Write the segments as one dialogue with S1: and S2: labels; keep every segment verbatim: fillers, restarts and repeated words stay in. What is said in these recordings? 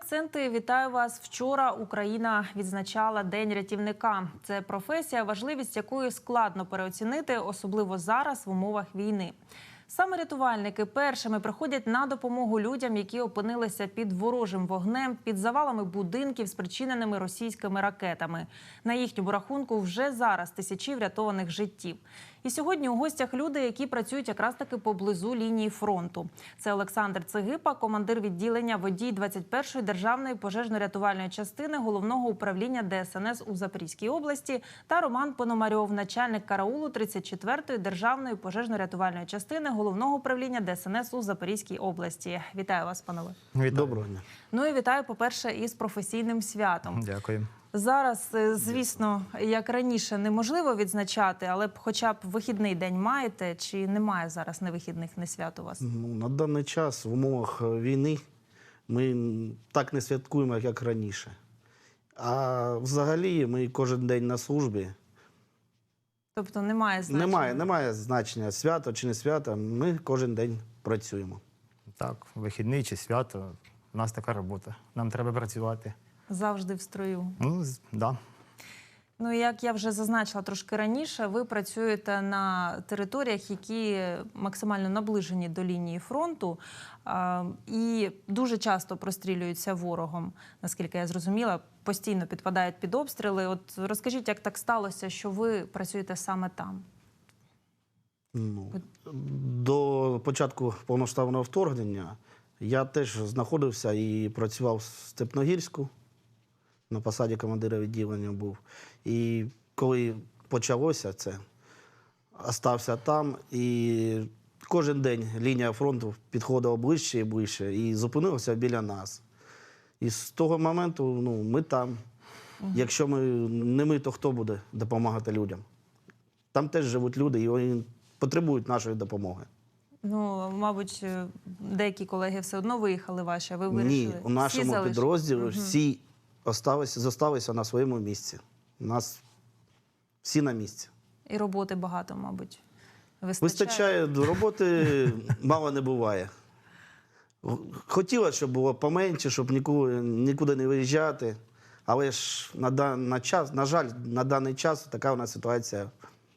S1: акценти. Вітаю вас. Вчора Україна відзначала День рятівника. Це професія, важливість якої складно переоцінити, особливо зараз в умовах війни. Саме рятувальники першими приходять на допомогу людям, які опинилися під ворожим вогнем, під завалами будинків, спричиненими російськими ракетами. На їхньому рахунку вже зараз тисячі врятованих життів. І сьогодні у гостях люди, які працюють якраз таки поблизу лінії фронту. Це Олександр Цегипа, командир відділення водій двадцять першої державної пожежно-рятувальної частини Головного управління Де Ес Ен Ес у Запорізькій області, та Роман Пономарьов, начальник караулу тридцять четвертої державної пожежно-рятувальної частини Головного управління Де Ес Ен Ес у Запорізькій області. Вітаю вас, панове.
S2: Вітаю.
S3: Доброго дня.
S1: Ну і вітаю, по-перше, із професійним святом.
S2: Дякую.
S1: Зараз, звісно, як раніше, неможливо відзначати, але б хоча б вихідний день маєте, чи немає зараз ні вихідних, ні свят у вас?
S3: Ну, на даний час в умовах війни ми так не святкуємо, як раніше. А взагалі ми кожен день на службі.
S1: Тобто немає значення?
S3: Немає, немає значення, свято чи не свято, ми кожен день працюємо.
S2: Так, вихідний чи свято, у нас така робота. Нам треба працювати.
S1: Завжди в строю.
S2: Ну, з- да.
S1: Ну, як я вже зазначила трошки раніше, ви працюєте на територіях, які максимально наближені до лінії фронту а, і дуже часто прострілюються ворогом, наскільки я зрозуміла, постійно підпадають під обстріли. От розкажіть, як так сталося, що ви працюєте саме там?
S3: Ну, до початку повномасштабного вторгнення я теж знаходився і працював в Степногірську, на посаді командира відділення був. І коли почалося це, остався там, і кожен день лінія фронту підходила ближче і ближче, і зупинилася біля нас. І з того моменту ну, ми там. Якщо ми не ми, то хто буде допомагати людям? Там теж живуть люди, і вони потребують нашої допомоги.
S1: Ну, мабуть, деякі колеги все одно виїхали ваші, а ви вирішили?
S3: Ні, у нашому
S1: Всі
S3: підрозділі
S1: Угу.
S3: всі осталися, зосталися на своєму місці. У нас всі на місці.
S1: І роботи багато, мабуть, вистачає.
S3: Вистачає, до роботи мало не буває. Хотілося, щоб було поменше, щоб нікуди, нікуди не виїжджати. Але ж на, дан, на, час, на жаль, на даний час така у нас ситуація.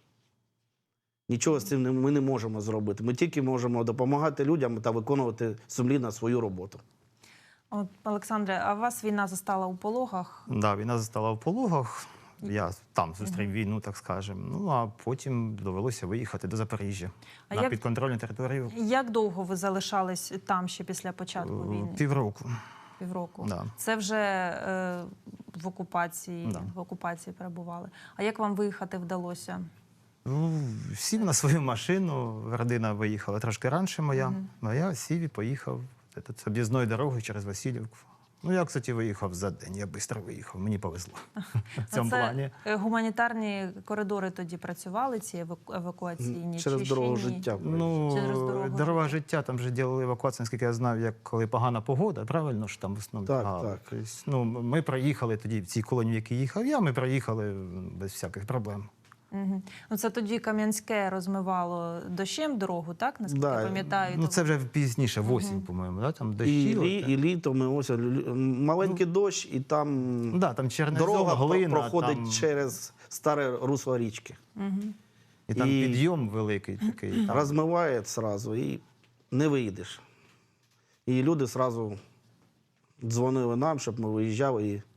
S3: Нічого з цим не, ми не можемо зробити. Ми тільки можемо допомагати людям та виконувати сумлінно свою роботу.
S1: От, Олександре, а вас війна застала у Пологах?
S2: Да, війна застала в Пологах. Я там зустрів війну, так скажемо. Ну, а потім довелося виїхати до Запоріжжя,
S1: А
S2: на
S1: як-
S2: підконтрольну територію.
S1: Як довго ви залишались там ще після початку
S2: Е,
S1: війни?
S2: Півроку.
S1: Півроку.
S2: Да.
S1: Це вже е, в окупації,
S2: Да.
S1: в окупації перебували. А як вам виїхати вдалося?
S2: Ну, сів на свою машину, родина виїхала трошки раніше моя, а я сів і поїхав з об'їзною дорогою через Васильівку. Ну, я, кстати, виїхав за день, я швидко виїхав, мені повезло в цьому
S1: Це
S2: плані.
S1: е, гуманітарні коридори тоді працювали, ці еваку- евакуаційні?
S3: Через
S1: чи ще
S3: дорогу
S1: ні?
S3: життя.
S2: Ну,
S1: Через дорогу
S2: дорога життя, там вже робили евакуацію, наскільки я знав, як коли погана погода, правильно ж там в основному?
S3: Так,
S2: А,
S3: так.
S2: тобто, ну, ми проїхали тоді в цій колонії, в якій їхав я, ми проїхали без всяких проблем.
S1: Угу. Ну, це тоді Кам'янське розмивало дощем дорогу, так? Наскільки
S3: Да.
S1: я пам'ятаю.
S2: Ну,
S1: то-
S2: це вже пізніше, в осінь, по-моєму, да? там
S3: І,
S2: дощі.
S3: лі,
S2: от,
S3: і літо ми ось лю- маленький дощ, і там
S2: Ну, да, там чернезем,
S3: дорога
S2: глина,
S3: проходить
S2: там,
S3: через старе русло річки.
S2: і там
S3: і-
S2: підйом великий такий. Там.
S3: Розмиває одразу і не вийдеш. І люди одразу дзвонили нам, щоб ми виїжджали і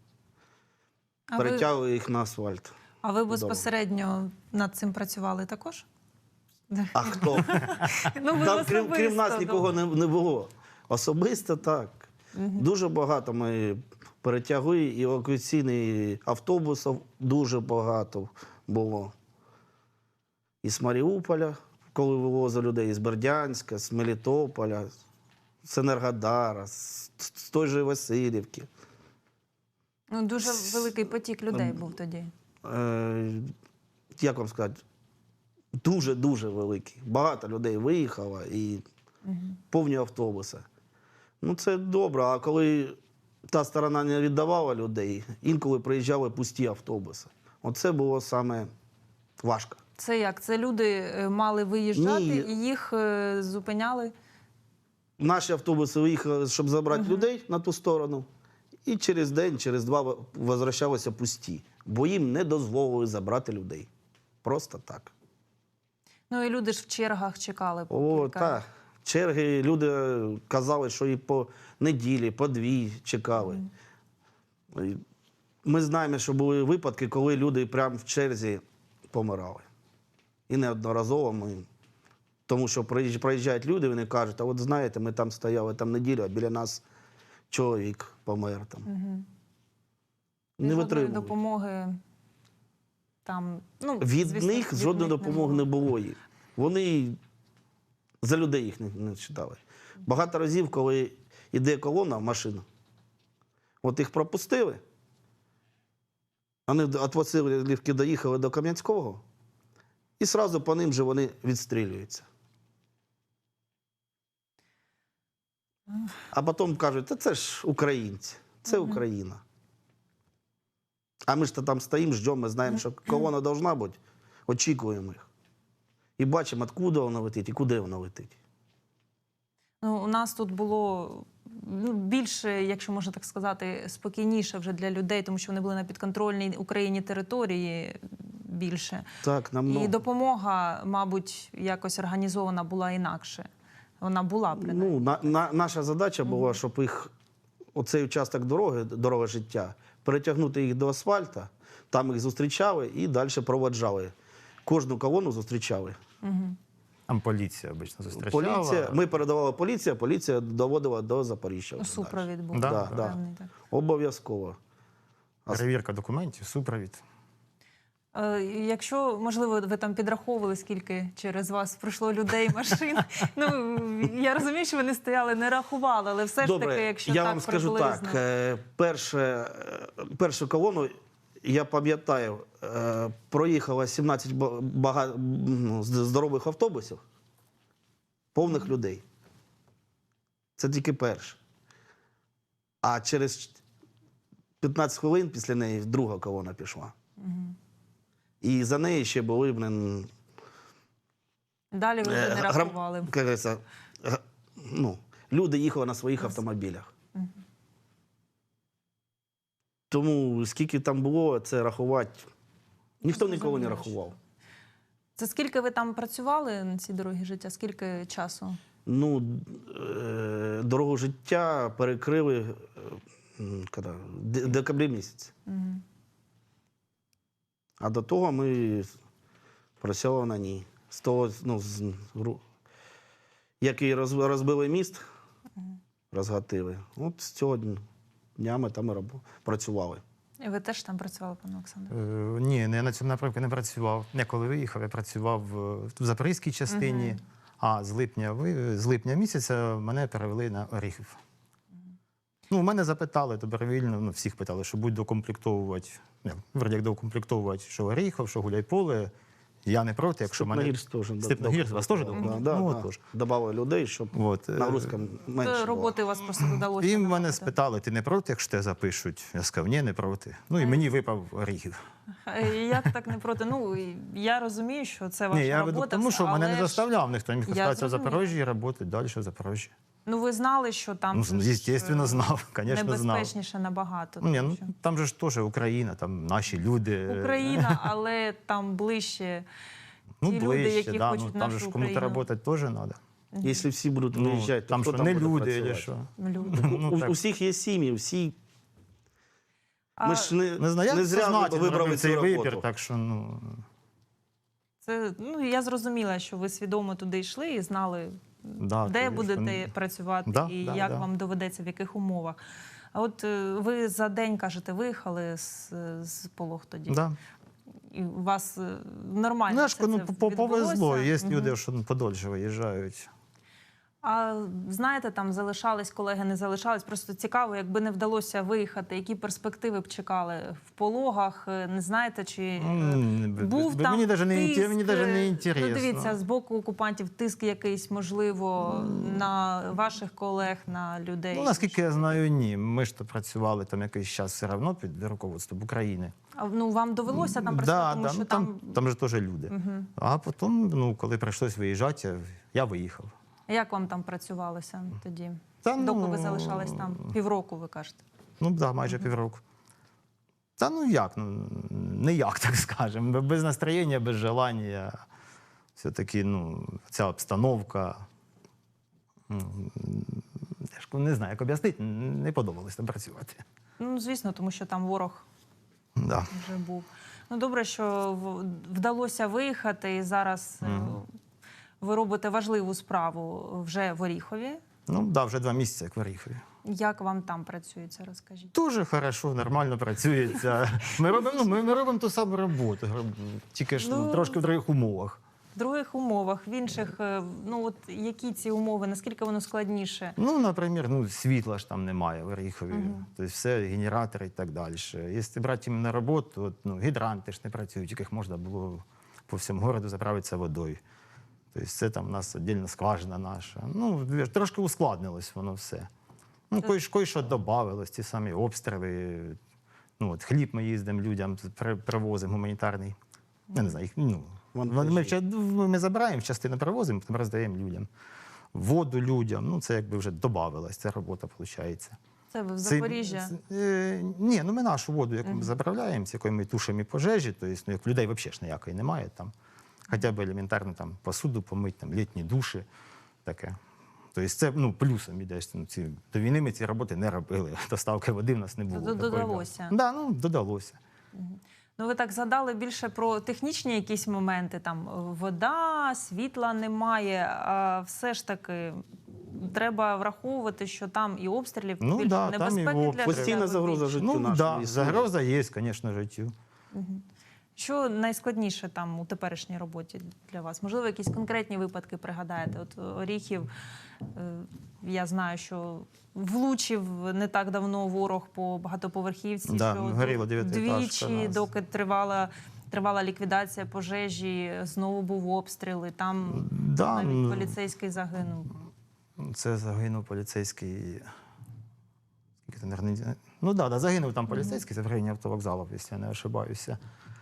S1: А ви,
S3: перетягли їх на асфальт.
S1: а ви безпосередньо над цим працювали також?
S3: А хто?
S1: Ну, ви
S3: Там, крім, крім нас
S1: особисто,
S3: нікого не, не було. Особисто так. Дуже багато ми перетягли, і евакуаційних автобусів дуже багато було. Із Маріуполя, коли вивозили людей, з Бердянська, з Мелітополя, з Енергодара, з, з той же Васильівки.
S1: Ну, дуже великий потік людей був тоді.
S3: Е, як вам сказати, дуже-дуже великий. Багато людей виїхало і повні автобуси. Ну, це добре, а коли та сторона не віддавала людей, інколи приїжджали пусті автобуси. Оце було саме важко.
S1: Це як? Це люди е, мали виїжджати
S3: Ні.
S1: і їх е, зупиняли?
S3: Наші автобуси виїхали, щоб забрати людей на ту сторону, і через день, через два возвращалися пусті, бо їм не дозволили забрати людей. Просто так.
S1: Ну і люди ж в чергах чекали по
S3: О,
S1: кілька.
S3: так. Черги, люди казали, що і по неділі, по дві чекали. І ми знаємо, що були випадки, коли люди прямо в черзі помирали. І неодноразово ми. Тому що приїжджають- проїжджають люди, вони кажуть, а от знаєте, ми там стояли там неділю, а біля нас чоловік помер там.
S1: Угу.
S3: Не
S1: Жодної
S3: витримують.
S1: допомоги там, ну,
S3: Від
S1: звісно,
S3: них
S1: від
S3: жодної
S1: них
S3: допомоги не було їм. Вони за людей їх не, не читали. Багато разів, коли йде колона, машина, от їх пропустили, вони від Васильівки доїхали до Кам'янського, і одразу по ним же вони відстрілюються. А потім кажуть, та це ж українці, це Україна. А ми ж то там стоїмо, ждемо, ми знаємо, що колона должна бути, очікуємо їх. І бачимо, откуда вона летить і куди вона летить.
S1: Ну, у нас тут було ну, більше, якщо можна так сказати, спокійніше вже для людей, тому що вони були на підконтрольній Україні території більше.
S3: Так, нам
S1: І допомога, мабуть, якось організована була інакше. Вона була, принаймні.
S3: ну, на, на, наша задача була, щоб їх, оцей участок дороги, дорога життя, перетягнути їх до асфальта, там їх зустрічали і далі проводжали. Кожну колону зустрічали.
S1: Угу.
S2: Там поліція обично зустрічала.
S3: Поліція, ми передавали поліція, поліція доводила до Запоріжжя. вже
S1: Супровід був.
S2: Да,
S3: Да,
S2: да.
S3: да.
S1: певний, так.
S3: далі. Обов'язково.
S2: Перевірка документів, супровід.
S1: Е, Якщо, можливо, ви там підраховували, скільки через вас пройшло людей, машин. Ну, я розумію, що вони стояли, не рахували, але все ж
S3: Добре,
S1: таки, якщо
S3: я
S1: так
S3: вам скажу
S1: приблизно.
S3: так. е, Перше, е, першу колону, я пам'ятаю, е, проїхало сімнадцять ба- бага- ну, з- здорових автобусів, повних людей. Це тільки перше. А через п'ятнадцять хвилин після неї друга колона пішла. І за нею ще були, блин,
S1: Далі ви вже
S3: е,
S1: не
S3: грам-
S1: рахували.
S3: як говориться, г- ну, люди їхали на своїх автомобілях. Тому скільки там було, це рахувати. Ніхто ніколи не
S1: Зрозуміло,
S3: рахував.
S1: Це скільки ви там працювали на цій дорогі життя? Скільки часу?
S3: Ну, е, дорогу життя перекрили е, м, коли? Де- декабрі місяць.
S1: Мгм.
S3: А до того ми працювали на ній. З того, ну, з, гру- як і роз- розбили міст, розгатили. От з цього дня ми там і раб- працювали.
S1: І ви теж там працювали, пане Олександре?
S2: Е, ні, не на цьому напрямку не працював. Я коли виїхав, я працював е, в запорізькій частині, а з липня, ви- з липня місяця мене перевели на Оріхів. Ну, мене запитали добровільно, ну, всіх питали, що будь докомплектовувати, не, вроді як докомплектовувати, що Оріхов, що Гуляйполе. Я не проти, якщо мене...
S3: Степногірськ теж. да,
S2: Степногірськ, вас теж
S3: да,
S2: документували?
S3: да,
S2: Ну,
S3: да.
S2: от теж.
S3: Добавили людей, щоб
S2: От, е,
S3: нагрузка менше
S1: То
S3: була.
S1: роботи у вас просто додалося.
S2: І мене
S1: набагато.
S2: спитали, ти не проти, якщо тебе запишуть? Я сказав, ні, не проти. Ну і мені випав Оріхів.
S1: Е, Як так не проти? Ну, і я розумію, що це ваша
S2: Ні, я веду
S1: робота.
S2: тому, що мене не
S1: але ж-
S2: заставляв ніхто. Міг
S1: Я
S2: остатися в
S1: зрозуміла.
S2: Запорожжі і працювати далі в Запорожжі.
S1: Ну, ви знали, що там
S2: Ну,
S1: же ж,
S2: звісно,
S1: е,
S2: знав, звісно, знав.
S1: небезпечніше набагато.
S2: Ну, ні,
S1: тому
S2: ну,
S1: що-
S2: там же ж теж Україна, там наші люди.
S1: Україна, але там ближче
S2: ну,
S1: ті люди,
S2: ближче,
S1: які
S2: да,
S1: хочуть
S2: ну, там
S1: нашу
S2: же ж кому-то
S1: Україну.
S2: працювати теж треба.
S3: Якщо всі будуть
S2: Ну,
S3: виїжджати, то
S2: там
S3: хто
S2: що,
S3: там
S2: не
S3: буде
S2: люди,
S3: працювати?
S2: чи що?
S1: люди.
S2: Ну,
S3: У,
S2: так.
S3: у всіх є сім'ї, всі.
S1: А
S3: Ми ж не,
S2: Не знаю, я
S3: не зря
S2: сознательно
S3: вибрали
S2: робив
S3: цю
S2: цей
S3: роботу.
S2: вибір, так що, ну...
S1: це, ну, я зрозуміла, що ви свідомо туди йшли і знали,
S2: Да,
S1: де
S2: то,
S1: будете
S2: звісно.
S1: працювати
S2: Да,
S1: і
S2: да,
S1: як
S2: да.
S1: вам доведеться, в яких умовах. А от е, ви за день, кажете, виїхали з, з Полог тоді.
S2: Да.
S1: І у вас е, нормально
S2: Ну, я
S1: все
S2: ж, ну,
S1: це
S2: по- повезло. Є
S1: відбулося?
S2: люди,
S1: Мгм.
S2: що ну, подольше виїжджають.
S1: А знаєте, там залишались колеги, не залишались. Просто цікаво, якби не вдалося виїхати, які перспективи б чекали в Пологах, е, не знаєте, чи е,
S2: М, б-
S1: був
S2: б-
S1: там
S2: мені даже не
S1: тиск,
S2: інте- мені даже не
S1: е,
S2: інтересно.
S1: Ну, дивіться, з боку окупантів тиск якийсь, можливо, на ваших колег, на людей.
S2: Ну, наскільки я знаю, ні. Ми ж то працювали там якийсь час все одно під руководством України.
S1: А, ну, вам довелося там працювати,
S2: да,
S1: тому
S2: да,
S1: що
S2: ну,
S1: там...
S2: там, там же теж люди.
S1: Мгм.
S2: А потім, ну, коли прийшлось виїжджати, я, я виїхав.
S1: Як вам там працювалося тоді?
S2: Та,
S1: Доки
S2: ну,
S1: ви залишались там? Півроку, ви кажете.
S2: Ну так, да, майже півроку. Та ну як, ну не як, так скажемо. Без настроєння, без желання. Все-таки, ну, ця обстановка. Ну, я ж не знаю, як об'яснити, не подобалось там працювати.
S1: Ну, звісно, тому що там ворог
S2: Да.
S1: вже був. Ну, добре, що в- вдалося виїхати, і зараз е, ви робите важливу справу вже в Оріхові.
S2: Ну, да, вже два місяці, як в Оріхові.
S1: Як вам там працюється, розкажіть?
S2: Дуже хорошо, нормально працюється. Ми робимо, ну, ми, ми робимо ту саму роботу, тільки ж ну,
S1: Ну,
S2: трошки в других умовах.
S1: В других умовах, в інших, е, ну от які ці умови, наскільки воно складніше?
S2: Ну, наприклад, ну, світла ж там немає в Оріхові,
S1: Мгм.
S2: тобто все, генератори і так далі. Якщо брати їм на роботу, от, ну, гідранти ж не працюють, яких можна було по всьому городу заправитися водою. Тобто це там у нас віддільна скважина наша. Ну, трошки ускладнилось воно все. Ну, кое, кое що додавалось, ті самі обстріли. Ну, от, хліб ми їздимо людям, при- привозимо гуманітарний. Я не знаю, їх, ну,
S3: Вантажі.
S2: ми, вча- ми забираємо, частину привозимо, потім роздаємо людям. Воду людям, ну це якби вже додавалось, ця робота виходить.
S1: Це ви в
S2: Це-
S1: Запоріжжя?
S2: е, ні, ну ми нашу воду, яку ми заправляємо, з якою ми тушимо і пожежі, тобто, ну, як людей взагалі ж ніякої немає там. Хоча б елементарно там посуду помити, там літні душі, таке. Тобто це ну, плюсом іде. Ну, ці, до війни ми ці роботи не робили. Доставки води в нас не було.
S1: Д- додалося.
S2: Так, да, ну, додалося.
S1: Ну, ви так згадали більше про технічні якісь моменти, там е, вода, світла немає, а все ж таки треба враховувати, що там і обстрілів
S2: Ну,
S1: більше
S2: да, там і
S1: небезпеки для
S2: обстріли.
S3: Постійна
S1: життя
S3: загроза
S1: більше.
S3: життю
S2: Ну,
S3: нашому
S2: да,
S3: існує.
S2: загроза є, звісно, життю.
S1: Що найскладніше там у теперішній роботі для вас? Можливо, якісь конкретні випадки пригадаєте? От Оріхів, е, я знаю, що влучив не так давно ворог по багатоповерхівці,
S2: Да,
S1: що
S2: горіла дев'ятиэтажка
S1: двічі,
S2: нас.
S1: доки тривала, тривала ліквідація пожежі, знову був обстріл, і там
S2: Да,
S1: навіть
S2: ну,
S1: поліцейський загинув.
S2: Це загинув поліцейський. скільки це, наверно, не- Ну так, да, да, загинув там поліцейський, це в районі автовокзалу, якщо я не ошибаюся.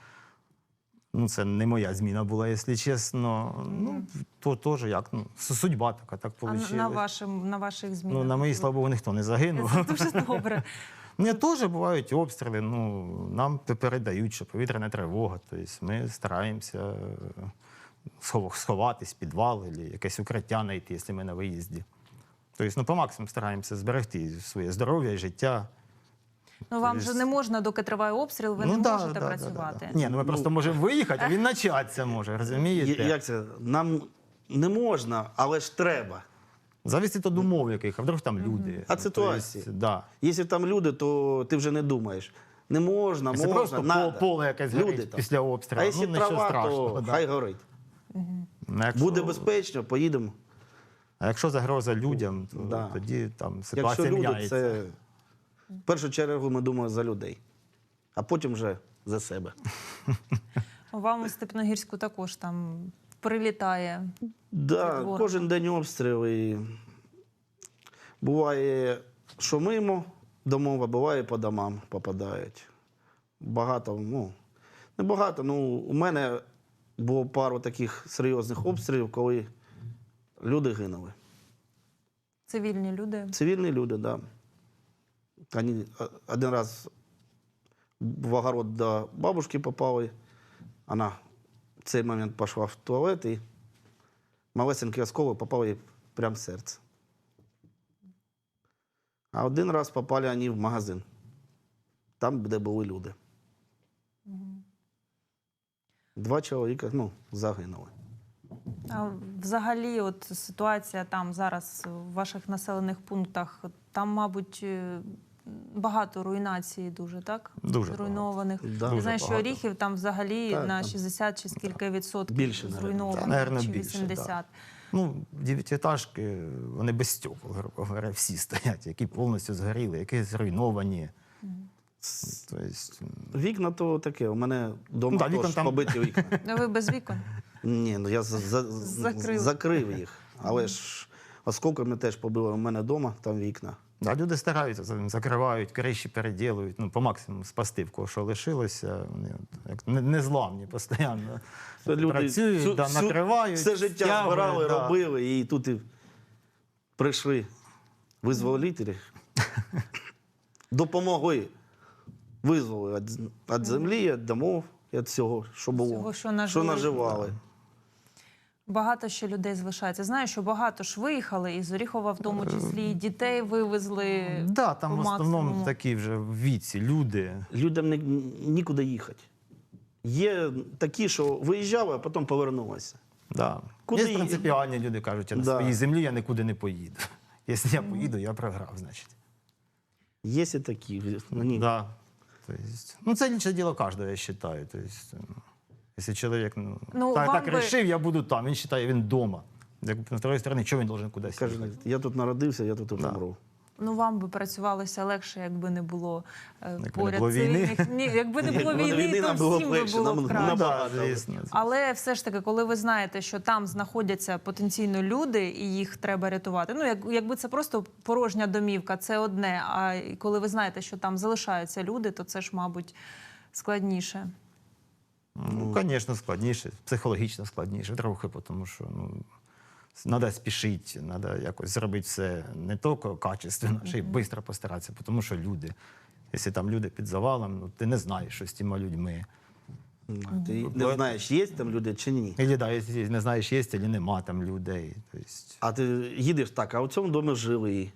S2: Ну, це не моя зміна була, якщо чесно. Ну, то теж як, ну, судьба така, так
S1: А
S2: вийшло.
S1: на, на, вашим, на ваших змінах?
S2: Ну, на моїй, слава Богу, ніхто не загинув.
S1: Це дуже добре.
S2: Мені теж бувають обстріли, ну, нам передають, що повітряна тривога. Тобто ми стараємося е, схов- сховатись, підвал, або якесь укриття знайти, якщо ми на виїзді. Тобто, ну, по максимуму стараємося зберегти своє здоров'я, життя.
S1: Ну, вам же не можна, доки триває обстріл, ви не
S2: да,
S1: можете
S2: да, да,
S1: працювати.
S2: Да, да. Ні, ну ми просто можемо виїхати, а він начатися може, розумієте?
S3: Як це? Нам не можна, але ж треба.
S2: Зависить від умов яких, а вдруг там люди.
S3: А
S2: Ну,
S3: ситуації.
S2: тобто, да.
S3: Якщо там люди, то ти вже не думаєш. Не можна,
S2: Це
S3: можна,
S2: просто
S3: надо.
S2: пол- поле якесь
S3: Люди
S2: горить
S3: там.
S2: після обстрілу.
S3: А якщо
S2: ну, нічого
S3: трава,
S2: страшного.
S3: то
S2: да.
S3: хай горить.
S2: Ну, якщо-
S3: Буде безпечно, поїдемо.
S2: А якщо загроза людям, то
S3: Да.
S2: тоді там
S3: Якщо
S2: ситуація
S3: люди,
S2: міняється.
S3: це в першу чергу ми думаємо за людей, а потім вже за себе.
S1: Вам у Степногірську також там прилітає.
S3: Да,
S1: Від ворога.
S3: кожен день обстріл. І буває, що мимо домов, а буває по домам попадають. Багато, ну, не багато, ну, у мене було пару таких серйозних обстрілів, коли люди гинули.
S1: Цивільні люди.
S3: Цивільні люди, так. Да. Вони один раз в огород до бабушки попали. Вона в цей момент пішла в туалет і малесенький осколок попав їй прямо в серце. А один раз попали вони в магазин, там, де були люди. Два чоловіка, ну, загинули.
S1: А взагалі, от ситуація там зараз в ваших населених пунктах, там, мабуть, е, багато руйнації дуже, так?
S2: Дуже
S1: Зруйнованих.
S3: Да.
S1: Я
S2: Дуже
S1: знаю, що
S2: багато.
S1: Оріхів там взагалі
S3: Так,
S1: на
S3: там
S1: шістдесят чи скільки відсотків
S3: Більше, навіть.
S1: зруйнованих,
S2: Та, наверно,
S1: чи
S2: більше,
S1: вісімдесят.
S2: Ну, дев'ятиэтажки, вони без стекол, грубо говоря, всі стоять, які повністю згоріли, які зруйновані. Тобто,
S3: Вікна то таке, у мене вдома
S2: Ну, да,
S3: теж
S2: вікон там-
S3: побиті вікна.
S1: Ну, ви без вікон?
S3: Ні, ну я за, за,
S1: Закрив.
S3: закрив їх. Але ж осколками теж побило у мене вдома, там вікна.
S2: да, люди стараються, за- закривають, криші переділують, ну, по максимуму спасти, в кого що лишилося. Вони от, як не- незламні постійно.
S3: Це люди
S2: Працюють,
S3: всю-
S2: да,
S3: всю-
S2: накривають,
S3: все життя
S2: стягують,
S3: збирали,
S2: да.
S3: робили, і тут і прийшли визволителі. допомогли, визвали від, від землі, від домов, від всього, що було,
S1: Всього, що
S3: що
S1: нажили.
S3: наживали.
S1: Багато ще людей залишається. Знаю, що багато ж виїхали, із Оріхова в тому числі, і дітей вивезли.
S2: Да, там
S1: по
S2: в основному
S1: максимуму.
S2: такі вже в віці люди.
S3: Людям не, нікуди їхати. Є такі, що виїжджали, а потім повернулися.
S2: Да.
S3: Куди
S2: Є
S3: ї-
S2: принципіальні люди, кажуть, я на
S3: Да.
S2: своїй землі я нікуди не поїду. Якщо я поїду, я програв, значить.
S3: Є і такі. Мені...
S2: Да. То есть, ну, це лічне діло кожного, я вважаю. То есть, ну, якщо чоловік ну,
S1: Ну,
S2: так,
S1: вам
S2: так
S1: би-
S2: рішив, я буду там. Він вважає, він вдома. Як, з іншої сторони, чого він должен кудись
S3: Каже,
S2: їхати?
S3: я тут народився, я тут і
S2: Да.
S3: помру.
S1: Ну, вам би працювалося легше, якби не було е,
S2: Якби не
S1: поряд
S2: було війни.
S1: цивільних. Ні, якби не було
S3: Якби
S1: війни,
S3: війни,
S1: то
S3: нам було б
S1: всім би
S3: легше,
S1: було
S3: нам-
S1: б
S3: нам
S1: краще.
S2: Ну, да,
S3: набагато.
S2: звісно.
S1: Але все ж таки, коли ви знаєте, що там знаходяться потенційно люди і їх треба рятувати, ну як, якби це просто порожня домівка, це одне. А коли ви знаєте, що там залишаються люди, то це ж, мабуть, складніше.
S2: Ну, звісно, складніше, психологічно складніше трохи, тому що ну, треба спішити, треба якось зробити все не тільки качественно, ще й швидко постаратися, тому що люди. Якщо там люди під завалом, ну, ти не знаєш, що з тими людьми.
S3: Ти не знаєш, є там люди чи ні.
S2: Або да, якщо не знаєш, є чи нема там людей. Тобто,
S3: А ти їдеш так, а у цьому домі жили.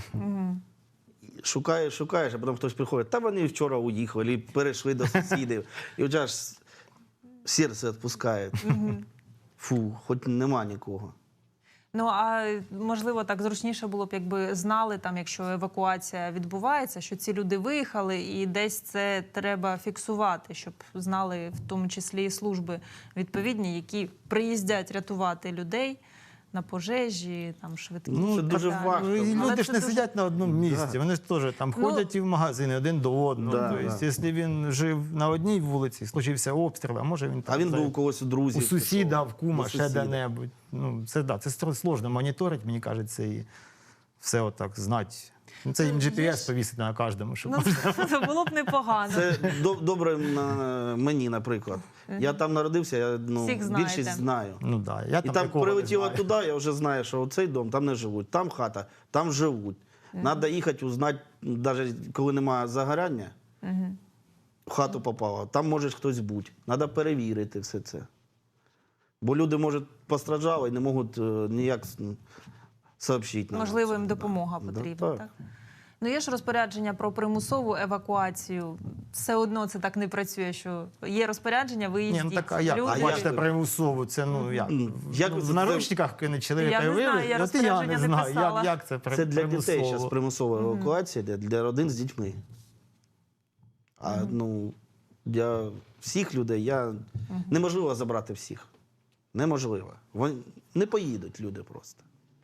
S3: Шукаєш, шукаєш, а потім хтось приходить, та вони вчора уїхали, і перейшли до сусідів. І вже аж серце відпускає. Фу, хоч нема нікого.
S1: Ну, а можливо, так зручніше було б, якби знали, там, якщо евакуація відбувається, що ці люди виїхали, і десь це треба фіксувати, щоб знали в тому числі і служби відповідні, які приїздять рятувати людей на пожежі, там, швидкі.
S3: Ну, це
S1: і так
S3: дуже
S1: далі.
S3: важко.
S2: ну, і
S1: Але
S2: люди
S1: це
S2: ж не
S1: дуже-
S2: сидять на одному місці, вони ж теж там
S1: Ну,
S2: ходять і в магазини один до одного.
S3: Да,
S2: тобто,
S3: да.
S2: якщо він жив на одній вулиці, случився обстріл, а може він там
S3: А він
S2: за-
S3: був у когось у друзів.
S2: у сусіда,
S3: пішов.
S2: в кума,
S3: До
S2: ще
S3: сусіда.
S2: де-небудь. Ну, це, да, це стро- сложно моніторити, мені кажеться, і все отак знати. Ну, це їм
S1: Ну,
S2: джі пі ес
S1: є ж-
S2: повісити на кожному, щоб
S1: Ну, це було б непогано.
S3: Це до- добре на мені, наприклад. Я там народився, я ну,
S1: Всіх знаєте.
S3: більшість знаю.
S2: Ну, да, я
S3: І
S2: там,
S3: там
S2: нікого не
S3: прилетіло
S2: знаю.
S3: туди, я вже знаю, що цей дом, там не живуть, там хата, там живуть. Треба їхати, узнати, навіть коли немає загоряння, в хату попало, там може хтось бути. Треба перевірити все це. Бо люди, може, постраждали і не можуть е, ніяк м, сообщити нам.
S1: Можливо,
S3: це.
S1: їм допомога
S3: Да.
S1: потрібна,
S3: Да,
S1: так? Ну, є ж розпорядження про примусову евакуацію. Все одно це так не працює, що є розпорядження, ви
S2: Ні,
S1: їздіть.
S2: ну так, а як?
S1: Люди-
S2: А бачите, примусово, це, ну, як?
S3: Ну, як
S2: Ну,
S3: ви
S2: в
S3: це-
S2: наручниках кинуть чоловіка
S1: Я
S2: і
S1: не знаю,
S2: вивезти?
S1: я
S2: От і я
S1: розпорядження
S2: не
S1: не
S2: знаю,
S1: писала.
S2: як, як це при-
S3: Це для дітей
S2: примусово.
S3: зараз примусова евакуація, для, для родин з дітьми. А ну, для всіх людей я... неможливо забрати всіх. Неможливо. Вони не поїдуть люди просто.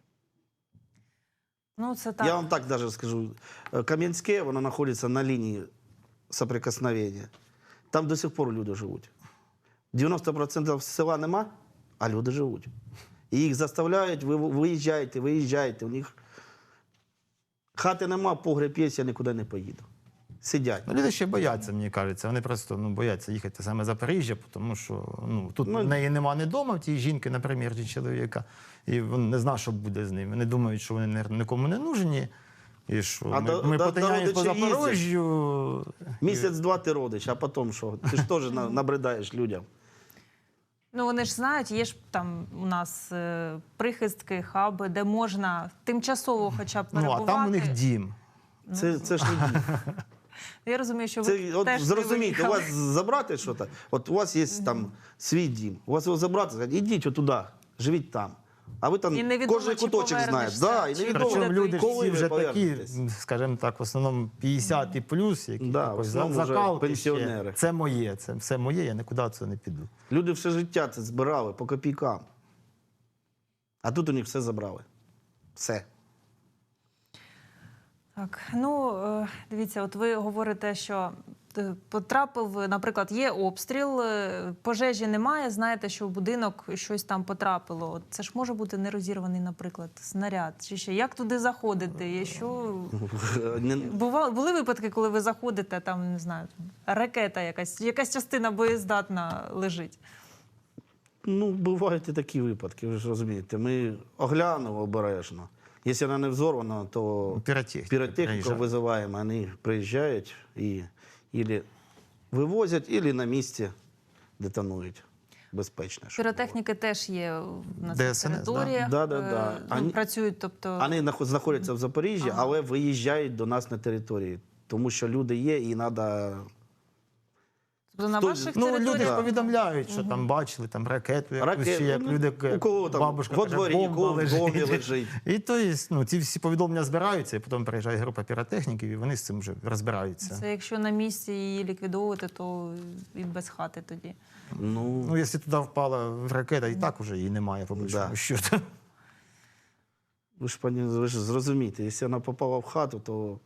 S1: Ну, це так.
S3: Я вам так даже скажу. Кам'янське, воно знаходиться на лінії соприкосновення. Там до сих пор люди живуть. дев'яносто відсотків села нема, а люди живуть. І їх заставляють, ви виїжджайте, виїжджайте. У них хати нема, погреб є, я нікуди не поїду. Сидять.
S2: Ну, люди ще бояться, мені кажеться. Вони просто ну, бояться їхати саме в Запоріжжя, тому що ну, тут
S3: Ну,
S2: в неї нема не вдома, в тієї жінки, наприклад, чи чоловіка. І він не знає, що буде з ними. Вони думають, що вони наверно, нікому не нужні. І що
S3: А
S2: ми,
S3: до-
S2: ми
S3: до-
S2: потиняємо
S3: до
S2: по
S3: родичів
S2: Запорожжю.
S3: Місяць-два ти родиш, а потім що? Ти ж теж на- набридаєш людям.
S1: Ну, вони ж знають, є ж там у нас е, прихистки, хаби, де можна тимчасово хоча б
S2: Ну,
S1: перебувати.
S2: а там у них дім.
S3: Це, це ж не дім.
S1: Я розумію, що ви
S3: Це, от,
S1: теж не
S3: зрозумійте, у
S1: виїхали.
S3: вас забрати щось, от у вас є там свій дім, у вас його забрати, сказати, ідіть отуди, живіть там. А ви там
S1: І невідомо,
S3: кожен
S1: чи
S3: куточок знаєте.
S1: повернешся,
S3: Да, і
S1: чи
S3: невідомо,
S1: буде
S2: Причому люди ж
S3: коли
S2: всі
S3: ви
S2: вже такі,
S3: повернетесь.
S2: скажімо так, в основному п'ятдесят і плюс, які
S3: Да,
S2: якось
S3: в основному
S2: за-
S3: вже
S2: закалки
S3: пенсіонери.
S2: ще. Це моє, це все моє, я нікуди це не піду.
S3: Люди все життя це збирали по копійкам. А тут у них все забрали. Все.
S1: Так, ну е, дивіться, от ви говорите, що е, потрапив, наприклад, є обстріл, е, пожежі немає, знаєте, що в будинок щось там потрапило. От це ж може бути нерозірваний, наприклад, снаряд. Чи ще як туди заходити? Є що
S3: Не-
S1: бували були випадки, коли ви заходите, там не знаю, там, ракета якась, якась частина боєздатна лежить.
S3: Ну, бувають і такі випадки, ви ж розумієте. Ми оглянули обережно. Якщо вона не взорвана, то
S2: Піротехніка
S3: піротехніку
S2: приїжджає.
S3: визиваємо, вони приїжджають і ілі вивозять, або на місці детонують. Безпечно. щоб
S1: Піротехніки теж є на
S2: Де
S1: цих
S2: ес ен ес, да?
S1: територіях.
S3: Да, да,
S1: е,
S3: да.
S1: ну,
S3: Ані-
S1: працюють, тобто...
S3: було. Вони нахо- знаходяться в Запоріжжі,
S1: Ага.
S3: але виїжджають до нас на території. Тому що люди є і треба...
S1: тобто на
S3: хто-
S1: ваших
S2: Ну, люди
S1: територіях...
S2: ж повідомляють, що там бачили там ракету, якусь,
S3: Ракет,
S2: чи як
S3: ну,
S2: люди,
S3: у кого там
S2: бабушка
S3: во
S2: каже,
S3: дворі,
S2: бомба
S3: у кого в
S2: лежить.
S3: домі лежить.
S2: І то є, ну, ці всі повідомлення збираються, і потім приїжджає група піротехніків, і вони з цим вже розбираються.
S1: Це якщо на місці її ліквідовувати, то і без хати тоді.
S3: Ну,
S2: Ну, якщо туди впала ракета, і так вже її немає, по большому
S3: Да.
S2: счету.
S3: ви ж, пані, ви ж зрозумієте, якщо вона попала в хату, то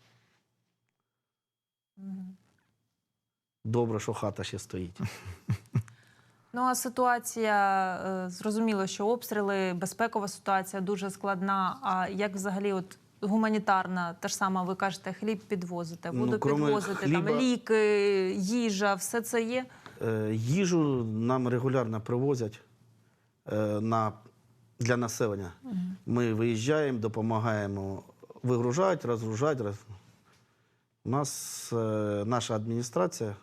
S3: добре, що хата ще стоїть.
S1: Ну а ситуація, е, зрозуміло, що обстріли, безпекова ситуація дуже складна. А як взагалі от гуманітарна, та ж сама, ви кажете, хліб підвозите,
S3: Ну,
S1: воду
S3: кроме
S1: підвозите,
S3: хліба-
S1: там ліки, їжа, все це є?
S3: Е, Їжу нам регулярно привозять е, на, для населення. Ми виїжджаємо, допомагаємо вигружати, розгружати. Роз... У нас е, наша адміністрація,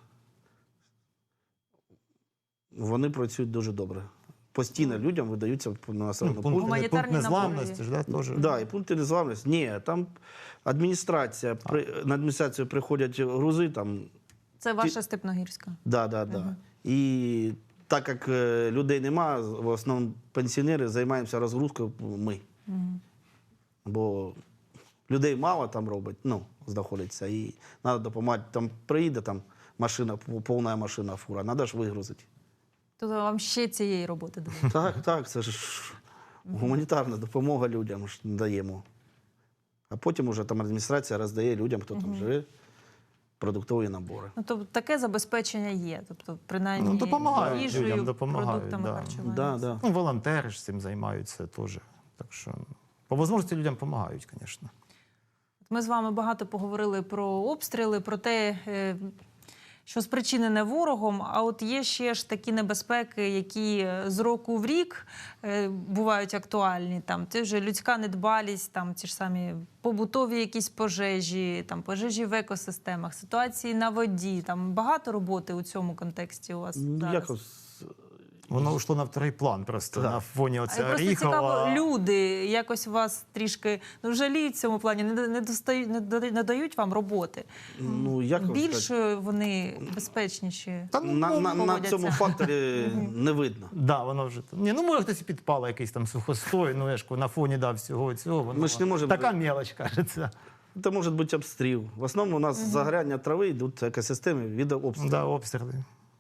S3: вони працюють дуже добре. Постійно людям видаються на населеному
S2: Пункт,
S3: пункті.
S1: Гуманітарні
S2: пункт
S1: набори
S2: незламності
S1: є.
S2: ж, да, теж.
S3: Да, і пункти незламності. Ні, там адміністрація, при, на адміністрацію приходять грузи, там
S1: Це ваша Степногірська.
S3: Да, да, да. І так як е, людей нема, в основному пенсіонери займаємося розгрузкою ми. Бо людей мало там робить, ну, знаходиться. І треба допомагати. Там приїде там машина, повна машина, фура, треба ж вигрузити.
S1: Тобто вам ще цієї роботи дають?
S3: Так, так, це ж гуманітарна допомога людям ж даємо. А потім уже там адміністрація роздає людям, хто там живе, продуктові набори.
S1: Ну, тобто таке забезпечення є, тобто принаймні
S2: Ну, допомагають
S1: їжею,
S2: людям, допомагають,
S1: продуктами
S2: да.
S1: харчування.
S3: Да, да.
S2: Ну, волонтери ж цим займаються теж. Так що, по можливості людям допомагають, звісно.
S1: Ми з вами багато поговорили про обстріли, про те, е, що спричинене ворогом. А от є ще ж такі небезпеки, які з року в рік е, бувають актуальні. Там це вже людська недбалість, там ті ж самі побутові якісь пожежі, там пожежі в екосистемах, ситуації на воді. Там багато роботи у цьому контексті у вас
S3: Ну,
S1: зараз.
S3: якось
S2: Воно йшло на вторий план просто
S3: Так.
S2: на фоні
S1: А
S2: оця
S1: просто
S2: Оріхова.
S1: цікаво, люди якось вас трішки ну, жаліють в цьому плані, не, не, достають, не, да- не дають вам роботи.
S3: ну, як вам сказати?
S1: Більш вони безпечніші.
S2: Та, ну,
S3: На, на, на
S1: поводяться.
S3: цьому факторі не видно.
S2: Да, воно вже там. Ні, ну може хтось і підпала якийсь там сухостой, ну я ж кажу, на фоні да, всього цього. Воно,
S3: Ми ж не можемо-
S2: Така мелоч, кажеться.
S3: Це може бути обстріл. В основному у нас загоряння трави йдуть екосистеми від обстрілу.
S2: Да, обстріли.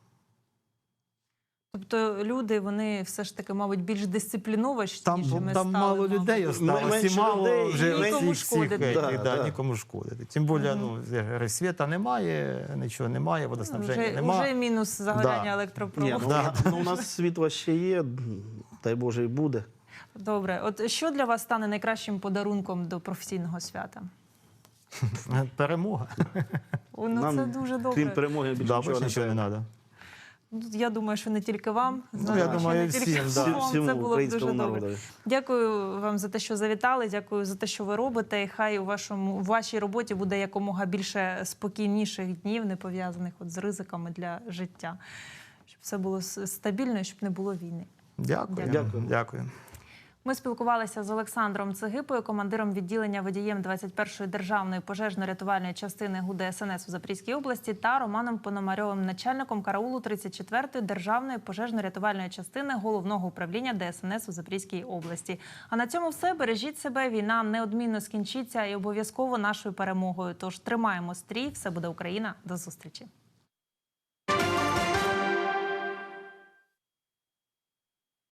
S1: Тобто люди, вони все ж таки, мабуть, більш дисциплінованішими
S2: Там, там
S1: стали,
S2: мало
S1: мабуть.
S2: людей осталось, і
S3: менше
S2: мало
S3: людей,
S2: вже
S3: і
S1: нікому
S2: всіх, всіх
S1: шкодити.
S2: етих,
S3: Да,
S2: да,
S3: да.
S2: нікому шкодити. Тим більше, ну, я говорю, світа немає, нічого немає, водоснабження
S1: Вже,
S2: немає.
S1: вже мінус загоряння
S2: Да.
S1: електропроводу.
S3: Ні, ну,
S2: Да.
S3: ну, у нас світло ще є, дай Боже, і буде.
S1: Добре. От що для вас стане найкращим подарунком до професійного свята?
S2: Перемога.
S1: О, ну, це дуже добре.
S3: крім перемоги, більше
S2: Да,
S3: нічого
S2: більше
S3: не
S2: нічого не
S3: треба.
S2: треба.
S1: Ну, я думаю, що не тільки вам.
S2: Ну,
S1: Знаю,
S2: я
S1: що
S2: думаю,
S1: не
S2: всім,
S1: тільки
S2: да.
S1: вам.
S3: Всьому
S1: Це було б
S3: українському
S1: дуже добре.
S3: народу.
S1: Дякую вам за те, що завітали. Дякую за те, що ви робите. І хай у вашому у вашій роботі буде якомога більше спокійніших днів, не пов'язаних от з ризиками для життя, щоб все було с- стабільно, і щоб не було війни.
S2: Дякую.
S3: Дякую.
S2: Дякую.
S1: Ми спілкувалися з Олександром Цигипою, командиром відділення водієм двадцять першої державної пожежно-рятувальної частини ГУ ДСНС у Запорізькій області та Романом Пономарьовим, начальником караулу тридцять четвертої державної пожежно-рятувальної частини Головного управління ДСНС у Запорізькій області. А на цьому все. Бережіть себе. Війна неодмінно скінчиться і обов'язково нашою перемогою. Тож тримаємо стрій. Все буде Україна. До зустрічі.